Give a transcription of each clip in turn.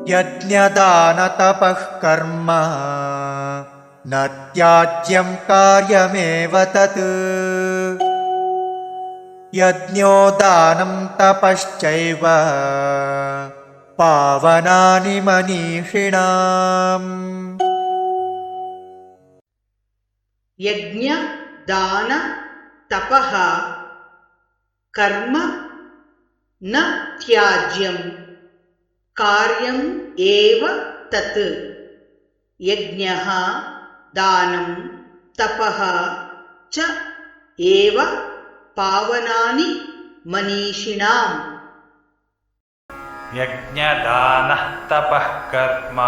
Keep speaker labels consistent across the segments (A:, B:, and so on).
A: यज्ञदानतपः कर्म न त्याज्यं कार्यमेव तत् यज्ञो दानं तपश्चैव पावनानि मनीषिणाम्।
B: यज्ञ दान तपः कर्म न त्याज्यं कार्यम् एव तत् यज्ञः दानं तपः च एव पावनानि मनीषिणाम्।
C: यज्ञदानः तपः कर्म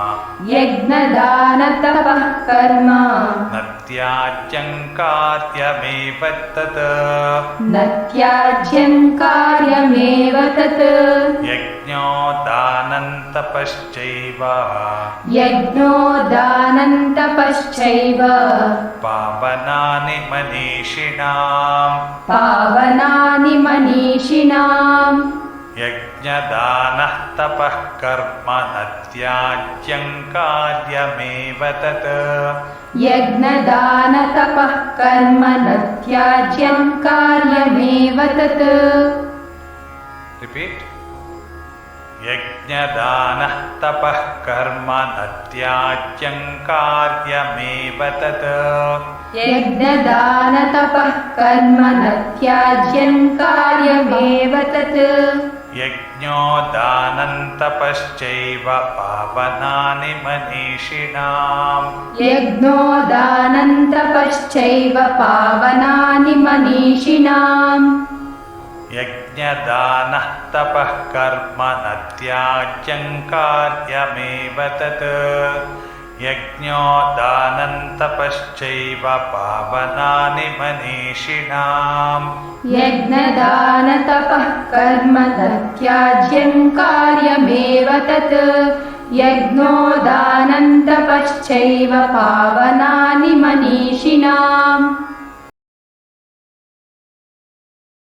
C: न त्याज्यं कार्यमेव तत् यज्ञो दानं तपश्चैव पावनानि मनीषिणाम्। यज्ञदानः तपः कर्म न त्याज्यं कार्यमेव तत् रिपीट यज्ञदानः तपः कर्म न त्याज्यं कार्यमेव तत् यज्ञो दानं तपश्चैव पावनानि मनीषिणाम्। यज्ञदानः तपः कर्म न त्याज्यं कार्यमेव तत् यज्ञो दानं तपश्चैव पावनानि मनीषिणाम्।
D: यज्ञो दानं तपश्चैव पावनानि मनीषिणाम्।